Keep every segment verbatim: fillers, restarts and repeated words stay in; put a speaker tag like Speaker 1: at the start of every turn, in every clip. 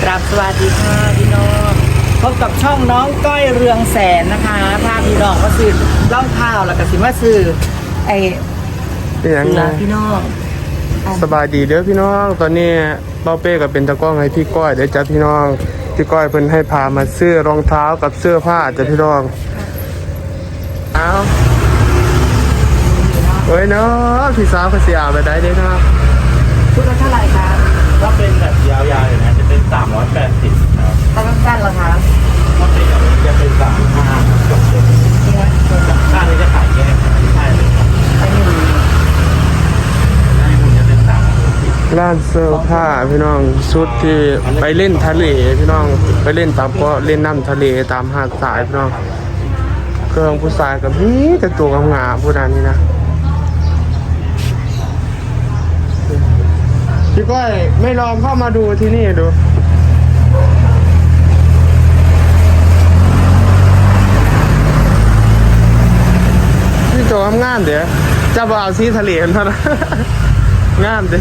Speaker 1: ราบสวัสดีค่ะพี่น้องพบกับช่องน้องก้อยเรืองแสนนะคะพาพี่น้องก็ซื้อเล่าข้าวแล้วก็สิมาซื้อไอ้
Speaker 2: เป็นยัง
Speaker 1: เสื
Speaker 2: ไง
Speaker 1: อพี่น้อง
Speaker 2: สบายดีเด้อพี่น้องตอนนี้เป้าเป้กับเป็นตะกล้องให้พี่ก้อยเดี๋ยวจ้ะพี่น้องพี่ก้อยเพิ่นให้พามาซื้อรองเท้ากับเสื้อผ้าจ้ะพี่น้องเอาเฮ้ยเนาะพี่สาวเขาสิเอาไปได้เด้อเนาะ
Speaker 1: ชุดละเท่าไหร่คะ
Speaker 3: ถ้าเป็นแบบยาวๆอย่างนี้นจะเป็นสามร้อยแปดสิบครับ
Speaker 1: ถ้าสั้นๆล่ะคะ
Speaker 3: ถ้าเป็นอย่างนี้จะเป็นสามห้าจบเลย
Speaker 1: นี่นะ
Speaker 3: ข้างนี้จะขายแยกใช่เลยครับ
Speaker 1: ไอ้นี่
Speaker 3: ข้างนี้จะเป็นสามร้อยสิบ
Speaker 2: ร้านเสื้อผ้าพี่น้องชุดที่ไปเล่นทะเลพี่น้องไปเล่นตามก็เล่นน้ำทะเลตามหาดทรายพี่น้องเครื่องผู้ชายกับนี่แต่ตัวงามๆผู้นั้นนี่นะพี่ก้อยไม่ลองเข้ามาดูที่นี่ดูพี่โจทำงานเดี๋ยวจะบ่เอาซีทะเลกันเท่านั้น งามเด้อ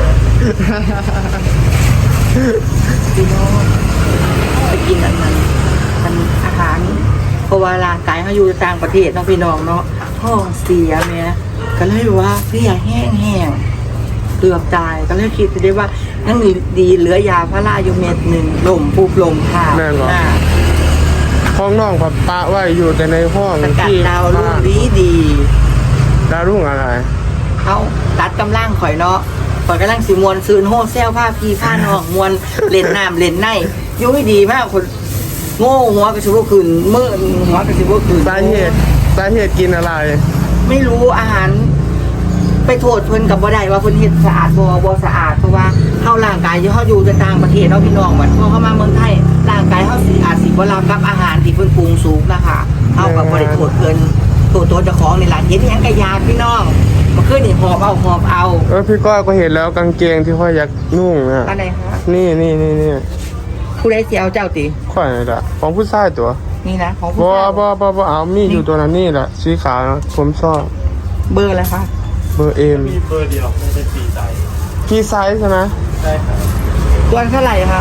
Speaker 1: พี่น้องไปกินอันนั้นมันอาหารเพราะว่าร่างกายเขาอยู่ต่างประเทศเนาะพี่น้องเนาะท้องเสียเนี่ยก็เลยว่าเสียแห้งๆเกือบตายก็เลยคิดได้ว่านั่งดีเหลือยาพาราอยู่เม็ดหนึ่งลมปุ๊บลมผ่า
Speaker 2: แม่นเหรอ
Speaker 1: อ่า
Speaker 2: ห้องน้องผับปะไว้อยู่แต่ในห้อง
Speaker 1: สกัด
Speaker 2: ที่
Speaker 1: ดาวรุ่งดีดี
Speaker 2: ดาวรุ่งอะไร
Speaker 1: เขาตัดกำลังข่อยเนาะข่อยกำลังสิมวนซื้อโฮเซลผ้าพีผ้าน้องมวนเล่นน้ำเล่นในยุ่ยดีมากคนโง่หัวกระชิบคืนมือหัวกระชิบคืน
Speaker 2: สาเหตุสาเหตุกินอะไร
Speaker 1: ไม่รู้อาหาร ไปโทษเพิ่นกับบ่ได้ว่าเพิ่นเฮ็ดสะอาดบ่บ่สะอาดเพราะว่าเฮาร่างกายที่เฮาอยู่ในต่างประเทศเนาะพี่น้องบัดพอเข้ามาเมืองไทยร่างกายเฮาสิอาจสิบ่รับกับอาหารที่เพิ่นปรุงสุกนะคะเฮาก็บ่ได้โทษเพิ่นตัวตัวเจ้าของนี่ล่ะเฮ็ดหยังก็ยากพี่น้องมันคือนี่หอบเอาหอบเอา
Speaker 2: เออพี่ก้อยก็เห็นแล้วกางเกงที่ค่อยอยากนุ่งอ่ะ
Speaker 1: อันไหนคะ
Speaker 2: นี่นี่นี่นี่
Speaker 1: ผู้ใดสิเอาเจ้าติ
Speaker 2: ค่อยนี่แหละของผู้ชายตัว
Speaker 1: นี่นะของผู้
Speaker 2: บ่
Speaker 1: ชาย
Speaker 2: บ่บ่บ่เอามีอยู่ตัวนั้นนี่แหละสีขาวนะผมชอบ
Speaker 1: เบอร์อะไรคะ
Speaker 2: เบอร์เอ็ม
Speaker 3: มีเบอร์เดียวไม่เป็นปีไซส์
Speaker 2: พี่ไซส์ใช่ไหม
Speaker 3: ใช่ครับ
Speaker 1: ตัวเท่าไหร่คะ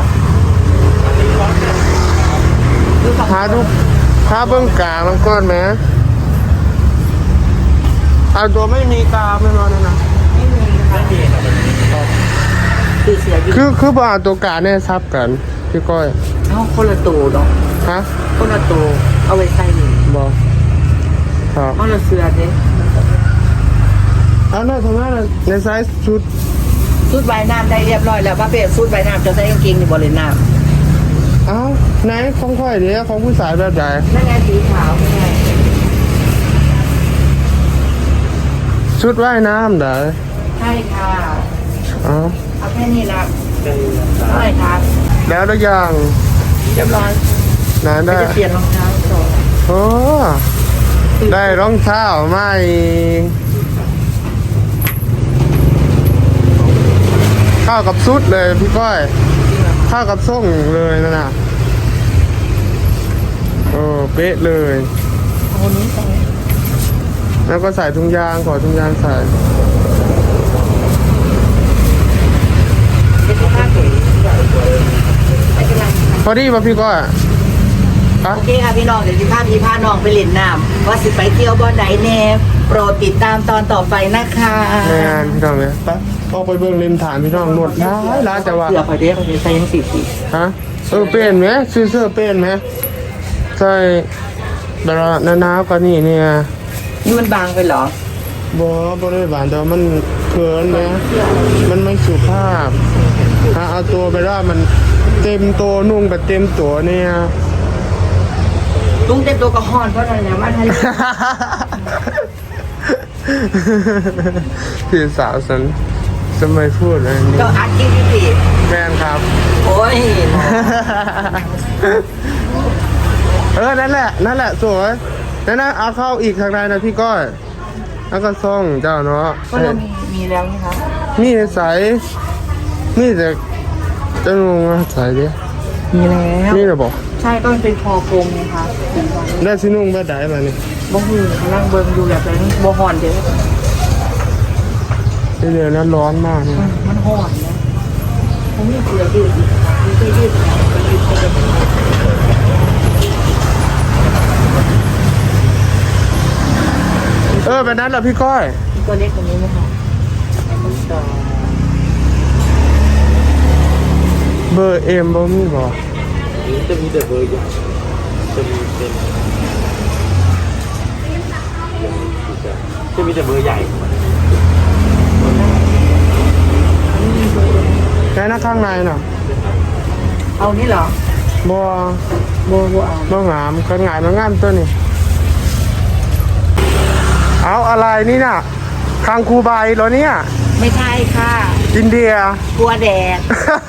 Speaker 1: ดูสอง
Speaker 2: หาดูหาเบิ้งกามันก้อนไหมเอาตัวไม่มีกาไม่รอนะนะ
Speaker 1: ไม่มีนะคะ
Speaker 3: ไม่มีครับ
Speaker 1: คือเสียอยู่
Speaker 2: คือคือบ่เอาตัวกาเนี่ยซับกันพี่ก้อย
Speaker 1: เอ้าคนละตัวเนาะ
Speaker 2: ฮะ
Speaker 1: คนละตัวเอาไว้ใส่นี่
Speaker 2: บอกครับ
Speaker 1: เอาละเสือเด้
Speaker 2: เอาหน่อยทำไมล่ะในไซส์ชุด
Speaker 1: ชุดใบน้ำได้เรียบร้อยแล้วว่าเป็นชุดใบน้ำจะใส่กางเกงในบริเวณน้
Speaker 2: เอ้าไหนของค่อยเดี๋ยวของผู้สายแบบใด
Speaker 1: ำนั่นไงสีขาวไม่ไง
Speaker 2: ชุดว่ายน้ำเด้อ
Speaker 1: ใช่ค่ะ
Speaker 2: เอ้า
Speaker 1: เอาแค่นี้ละ
Speaker 3: เป็น
Speaker 1: เท่าไหร่คะ
Speaker 2: แล้วทุกอย่าง
Speaker 1: เรียบร้อย
Speaker 2: ไหนได้
Speaker 1: จะเปลี่ยนรองเท้าต่อ
Speaker 2: โอ้ได้รองเท้ามาอีกเข้ากับชุดเลยพี่ก้อยเข้ากับส่งเลยนะน่ะโอ้เป๊ะเลย
Speaker 1: เอาคนนี้ใส่
Speaker 2: แล้วก็ใส่ถุงยางขอถุงยางใส่
Speaker 1: เป็นผ้าเก๋ไม่เป็นไรค่ะ
Speaker 2: พอดีป่ะพี่ก้อยอะ
Speaker 1: โอเคค่ะพี่น้องเดี๋ยวสิพาพี่พาน้องไปเล่นน้ำว่าสิไปเที่ยวบ่อนไหนแน่โปรดติดตามตอนต่อไปนะคะ
Speaker 2: ในงานพี่น้องเลยไปออกไปเบิ่งริมฐานพี่น้องนวดร้ายร้ายแต่ว่า
Speaker 1: เสือพอดีพอดีใส่ยังสีสี
Speaker 2: ฮะเออเป็นไหมซื้อเสื้อเป็นไหมใช่แต่ละหนาวๆก็นี่เนี่ย
Speaker 1: นี่มันบางไปเหรอ
Speaker 2: บ่บ่ได้หวานแต่ว่ามันเขินไหมมันไม่สุภาพถ้าเอาตัวไปว่ามันเต็มตัวนุ่งแบบเต็มตัวเนี่ย
Speaker 1: ลุงเต็มตัวกระหอนเพราะอะไรเนี่ยมันให้
Speaker 2: พี่สาวฉันจะไม่พูดอะไรนี้
Speaker 1: ก็อัดคลิปพี่สิ
Speaker 2: แม่นครับ
Speaker 1: โอ้ย
Speaker 2: เออนั่นแหละนั่นแหละสวยนั่นนะเอาเข้าอีกทางใดนะพี่ก้อยแล้วก็ส่งเจ้าเนาะ
Speaker 1: ก็เรามีมีแล้วนี่คะ
Speaker 2: มีใสมีแต่จะงงอะใสดิ
Speaker 1: มีแล้ว
Speaker 2: นี่เหรอบอก
Speaker 1: ใช่ก็มันเป็นคอกลมนะคะ
Speaker 2: ได้สินุ่งแบบใดมานี่
Speaker 1: บ่หูนั่งเบิ่งดูแบบนั้นบ่หอนเด้อ
Speaker 2: ที่เดือนนั้นร้อนมากนะ
Speaker 1: มันหอนนะผมมีเสื้อยืดอีกมีเสื้อยืด
Speaker 2: เออแบบนั้นเหรอพี่ก้อย
Speaker 1: ตัวเล็กกว่านี้ไหมคะ
Speaker 2: เบอร์เอ็มบ่มีบ่
Speaker 3: จะมีแต่เบอร์ใหญ่จะมีเป็นจะมีแต่เบอร์ใหญ่
Speaker 2: แค่หน้าข้างในน่ะ
Speaker 1: เอานี่เหรอ
Speaker 2: บ่
Speaker 1: บัวบัวเอา
Speaker 2: บ่งามกันงายมางามตัวนี้เอาอะไรนี่น่ะคางคูใบเหรอเนี่ย
Speaker 1: ไม่ใช่ค่ะ
Speaker 2: อินเดีย
Speaker 1: กลัวแดด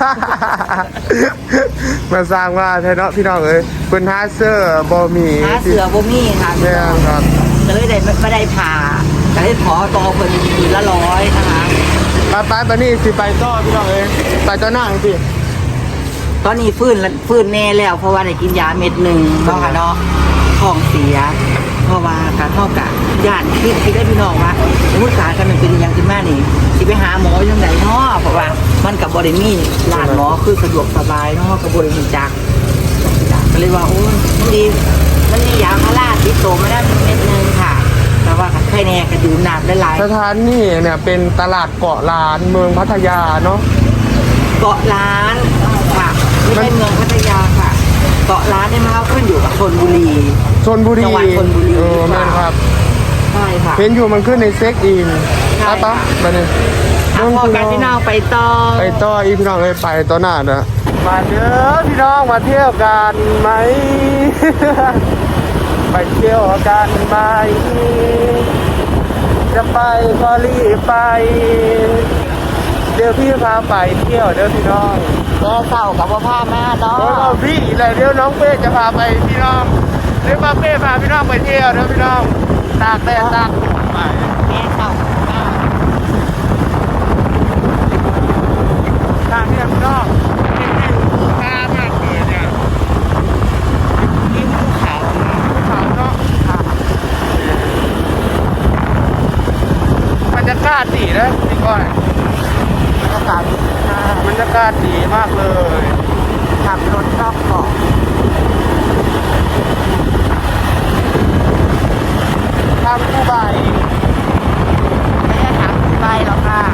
Speaker 2: มาสร้างว่าไทยเนาะพี่น้องเอ้ยเพิ่นหาเสื้อบอมี
Speaker 1: หาเสือบ่มีค่ะ
Speaker 2: แม่นครับ
Speaker 1: ก็เลยได้ไม่ได้ผ่าก็เลยขอต่อเพิ่นคืนละร้อยนะคะ
Speaker 2: ไปไปไปนี่สิไปต่อพี่น้องเอ้ยไปต่อหน้าสิ
Speaker 1: ตอนนี้ฟื้นละฟื้นแน่แล้วเพราะว่าได้กินยาเม็ดหนึ่งเนาะค่ะเนาะท้องเสีย เพราะว่าการเท่ากับย่านคิดคิดได้พี่น้องว่าสมมติการกันมันเป็นอยังขึ้นมานี่สิไปหาหมอยังไงเนาะเพราะว่ามันกับบริมีร้านหมอคือสะดวกสบายเนาะกับบริมีจักก็เลยว่าโอ้ยมันดีมันมียาพาราติดโตมาได้เม็ดหนึงค่ะแต่ว่าใครแน่ก็ดื่มน้ำได้หลาย
Speaker 2: สถานนี่เนี่ยเป็นตลาดเกาะล้านเมืองพัทยาเนาะ
Speaker 1: เกาะล้านค่ะไม่ใช่เมืองพัทยาค่ะ เกาะล้านเนี่ยมันเขาขึ้นอยู่กับชลบุรี
Speaker 2: ชลบุรี
Speaker 1: จังหวัดชลบุรี
Speaker 2: เออแม่นครับ
Speaker 1: ใช่ค่ะ
Speaker 2: เห็นอยู่มันขึ้นในเซ็กอิน
Speaker 1: ใช่
Speaker 2: ไปปะไปนี่
Speaker 1: อ่ะพอกันพี่น้องไปต่อ
Speaker 2: ไปต่ออีพี่น้องเอ้ยไปต่อหน้าเด้อมาเด้อพี่น้องมาเที่ยวกันไหม ไปเที่ยวกันไหมจะไปก็รีบไป เดี๋ยวพี่พาไปเที่ยวเด้อพี่น้อง
Speaker 1: ก็เศร้ากับว่าพามาเนาะ
Speaker 2: แล้วก็พี่อะไรเดี๋ยวน้องเป้จะพาไปพี่น้องเดี๋ยวป้าเป้พาพี่น้องไปเที่ยวเด้อพี่น้องตากแดดตากฝนไป
Speaker 1: แม่เศร้ามา
Speaker 2: ทางเนี่ยพี่น้องนี่วิวค่ามากเลยเนี่ย
Speaker 1: ที่ภูเขา
Speaker 2: ภูเขาเนาะบรรยากาศดีนะพี่ก้อย
Speaker 1: บรรยากาศดีค่ะ
Speaker 2: บรรยากาศดีมากเลย
Speaker 1: ขับรถรอบเกาะ
Speaker 2: ทำคู่ใบ
Speaker 1: ไม่ได้ถามไปหรอกค่ะ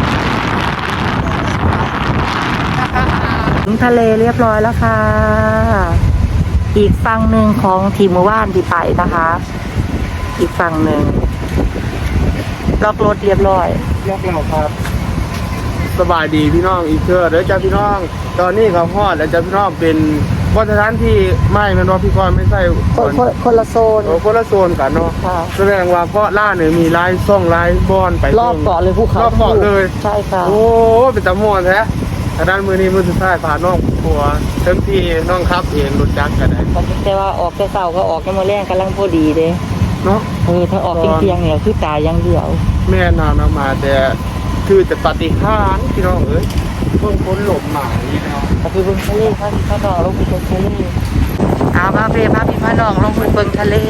Speaker 1: ถึงทะเลเรียบร้อยแล้วค่ะ อีกฝั่งหนึ่งของทีมหมู่บ้านที่ไปนะคะ อีกฝั่งหนึ่งล็อกรถเรียบร้อย
Speaker 2: ยกเราครับ สบายดีพี่น้องอีกเชื่อเด้อจ้าพี่น้อง ตอนนี้เขาฮอดแล้วจ้าพี่น้องเป็นวัฒนธรรมที่ไม่แม่นว่าพี่ก้อยไม่ใช่
Speaker 1: คนคนคนละโซน
Speaker 2: โอ้คนละโซนกันเนาะ
Speaker 1: ค่ะ
Speaker 2: แสดงว่าเพราะล่าเนี่ยมีลายซ่องลายบอนไป
Speaker 1: รอบเกาะเลยภูเขา
Speaker 2: รอบเกาะเลย
Speaker 1: ใช่ค่ะ
Speaker 2: โอ้เป็นตะมวนแท้ทางด้านมือนี้มือสุดท้ายพาน้องครัวเต็มที่น้องครับเองรถจักรกันได้
Speaker 1: แต่ว่าออกแต่เสาก็ออกกันมาแรงกำลังพอดีเด้
Speaker 2: เนาะ
Speaker 1: เออถ้าออกเที่ยงๆเนี่ยคือตายอย่างเดียว
Speaker 2: แม่นำมาแต่คือแต่ปฏิหารย์พี่น้องเอ้ยเพิ่งพ้นหลบหมายนี่เนาะ
Speaker 1: ก็คือเบิ่งทะเลพระพี่พระน้องลงไปเบิ่งทะเลเอาพาเปพาพี่พระน้องลงไปเบิ่งทะเล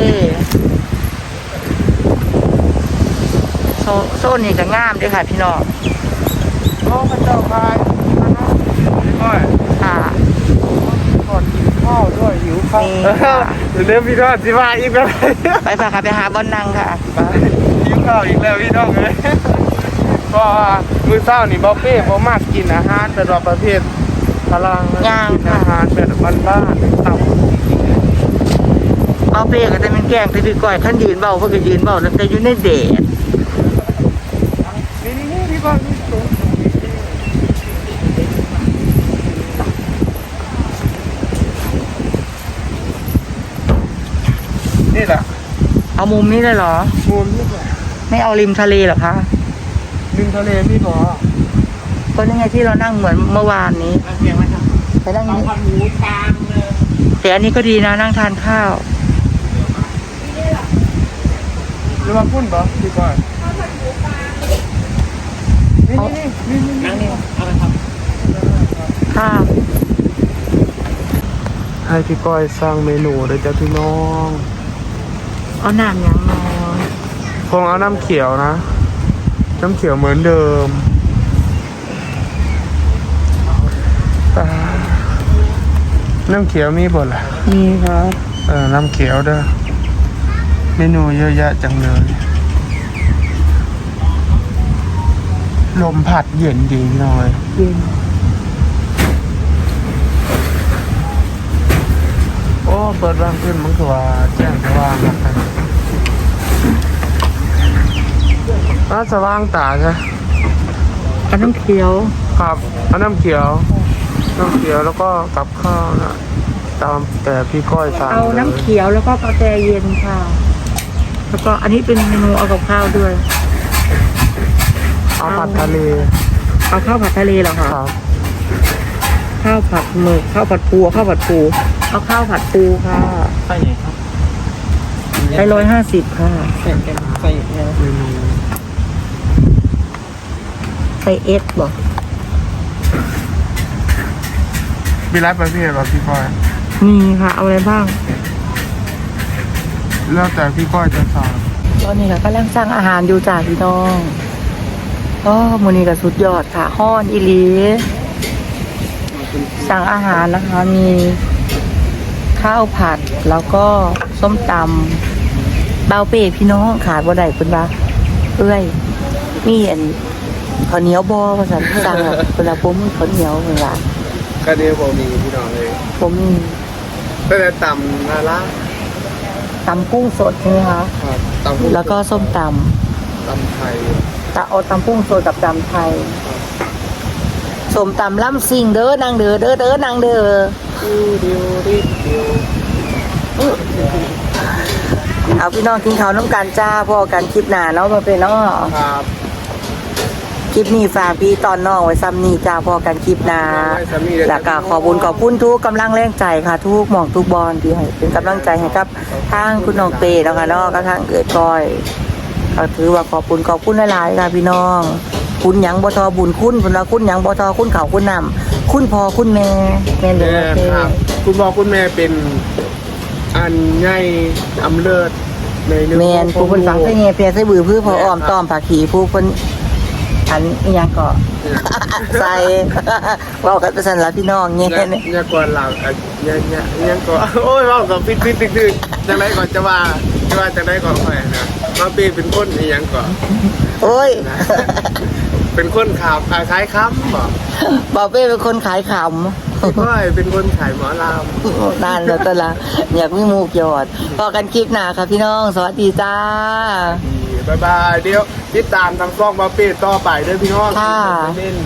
Speaker 1: โซโซนนี่ก็งามเด้วยค่ะพี่น้อง
Speaker 2: โอ้พระเจ้าพายพี่ก้อย
Speaker 1: ค่ะ
Speaker 2: ก่อนกินข้าวด้วยหิวข้าว
Speaker 1: นี่ค่ะ
Speaker 2: เดี๋ยวเริ่มพี่น้องสิว่าอีกแล้ว
Speaker 1: ไปพาค่ะไปหาบอนนังค่ะ
Speaker 2: ไปหิวข้าวอีกแล้วพี่น้องเอ้ยก็มื้อเช้านี่บ่เป้บ่มากกินอาหารแบบว่าประเภทพลัง
Speaker 1: ย่าง
Speaker 2: กิน
Speaker 1: ค่ะ
Speaker 2: อาหารแบบบ้านๆต่ำ
Speaker 1: เอาเปก็จะเป็นแกล้งไปพี่ก้อยขั้นยืนเบาเพื่อก็ยืนเบาแต่อยู่ในแดด
Speaker 2: นี่นี่นี่พี่ก้อยนี่ตรงนี่แหละ
Speaker 1: เอามุมนี้เลยเหรอ
Speaker 2: มูลนี่แหละ
Speaker 1: ไม่เอาริมทะเลเหรอคะ
Speaker 2: ริมทะเลพี่บอ
Speaker 1: ก็นี่ไงที่เรานั่งเหมือนเมื่อวานนี้
Speaker 2: เพียงไหมครับ
Speaker 1: ไปนั่ง
Speaker 2: เอา
Speaker 1: นี้
Speaker 2: พันหมูกลางเลย
Speaker 1: แต่อันนี้ก็ดีนะนั่งทานข้าว
Speaker 2: หรือว่าพุ่นบอพี่ก้อยนี่นี่นี่นี่นั่งนี่เอาไปครับ
Speaker 1: ค่ะ
Speaker 2: ให้พี่ก้อยสร้างเมนูเลยจ้ะพี่น้อง
Speaker 1: เอาน้ำยังนอน
Speaker 2: คงเอาน้ำเขียวนะ น้ำเขียวเหมือนเดิมแต่น้ำเขียวมีบ่ล่ะ
Speaker 1: มีครับ
Speaker 2: เออน้ำเขียวเด้อเมนูเยอะแยะจังเลยลมพัดเย็นดีหน่อย
Speaker 1: เย็น
Speaker 2: โอ้เปิดว่างขึ้นมันคือว่าแจ้งสว่างนะครับอ่าสว่างตาใช่
Speaker 1: อันน้ำเขียว
Speaker 2: ครับเอาน้ำเขียว น้ำเขียวแล้วก็กับข้าวนะตามแต่พี่ก้อยสั่ง
Speaker 1: เอาน้ำ
Speaker 2: เลย
Speaker 1: เขียวแล้วก็กาแฟเย็นค่ะ แล้วก็อันนี้เป็นเมนูเอากับข้าวด้วย
Speaker 2: เอาผัดทะเล
Speaker 1: เอาข้าวผัดทะเลเหรอคะ
Speaker 2: ครับ
Speaker 1: ข้าวผัดหมึกข้าวผัดปูข้าวผัดปูเอาข้าวผัดปูค่ะ
Speaker 3: ใส่ไหนครับ
Speaker 1: ใช้ร้อยห้าสิบค่ะ
Speaker 3: ใส่กันใส่เนี่ย
Speaker 2: เมนู
Speaker 1: ใส่เอสบอก
Speaker 2: มีร้านประเภทเหรอพี่ก้อย
Speaker 1: มีค่ะ เอาอะไรบ้าง
Speaker 2: แล้วแต่พี่ก้อยจะสั่ง
Speaker 1: ตอนนี้ค่ะกำลังสั่งอาหารอยู่จากพี่น้องอ๋อมูนี่กับสุดยอดค่ะฮ้อนอีหลีสั่งอาหารนะคะ มีข้าวผัดแล้วก็ส้มตำเบาเป้พี่น้องขาดบ่ได้คุณว่าเอ้ยมีอันข้าวเหนียวบอภาษาสั่งอะเวลาผมมีข้าวเหนียวเวลา
Speaker 2: ก็เดียวบอกมีพี่น้องเลย
Speaker 1: ผมมี
Speaker 2: ก็จะตำนาละ
Speaker 1: ตำกุ้งสดใช่ไหมคะ
Speaker 2: ครับตำกุ้ง
Speaker 1: แล้วก็ส้มต
Speaker 2: ตำไทย
Speaker 1: ำตะเอาตำกุ้งสดกับตำไทยส้มตำล่ำซิงเด้อนางเด้อเด้อเด้อนางเด้อ
Speaker 2: ดิวดิวดิวดิว
Speaker 1: เอาพี่น้องกินข้าวน้ำกันจ้าพ่อกันคลิปหน้าเนาะมาเป็นเนาะ
Speaker 2: ครับ
Speaker 1: คลิปนี้ฝากพี่ตอนน้องไว้ซ้ำนี้จ้าพ่อกันคลิปหน้า
Speaker 2: ได้สามีได้
Speaker 1: แล้วก็ขอบุญขอบคุณทุกกำลังแรงใจค่ะ ทุกหมองทุกบอลที่ให้เป็นกำลังใจให้กับทางคุณน้องเปย์แล้วค่ะเนาะก็ทางเอิดก้อยก็ถือว่าขอบคุณขอบคุณหลายๆค่ะพี่น้อง คุณหยังบ่ทอบุญคุณคุณว่าคุณหยังบ่ทอคุณเขาคุณนำคุณพ่อคุณแม่แม่เหลือ
Speaker 2: แม่
Speaker 1: เป
Speaker 2: ครับ คุณพ่อคุณแม่เป็นอันใหญ่อำเลิศในเรื่อง
Speaker 1: แม่นผู้คนฟังใส่เงี้ยเพียใส่บือพื้อพออ้อมต้อมผักขีผู้คนอันอีหยังก็ ใส่ เว้ากันไปสั่นละพี่น้องเงี้ย
Speaker 2: เนี่ยเนี่ยก่อนหลังอ่ะเนี่ยเนี่ยเนี่ยก่อนโอ้ยว่ากับปิดปิดตึกตึกจังไรก่อนจะว่าจะว่าจังไรก่อนค่อยนะมาปีเป็นคนอีหยังก่อน
Speaker 1: โอ้ย
Speaker 2: นะเป็นคนข่าวขายขายค้ำบ่
Speaker 1: บ่าวเป้เป็นคนขายข
Speaker 2: พี่ก้อยเป็นคนขายหมอลาม
Speaker 1: ำ นั่นแล้วตวละอยากมีหมูกยอดพอกันคลิปหน้าค่ะพี่น้อง สวัสดีจ้า
Speaker 2: บายบายเดี๋ยวติดตามทางกล้องมาปีต่อไปด้วยพี่น้อง
Speaker 1: ค่ะ
Speaker 2: เล่น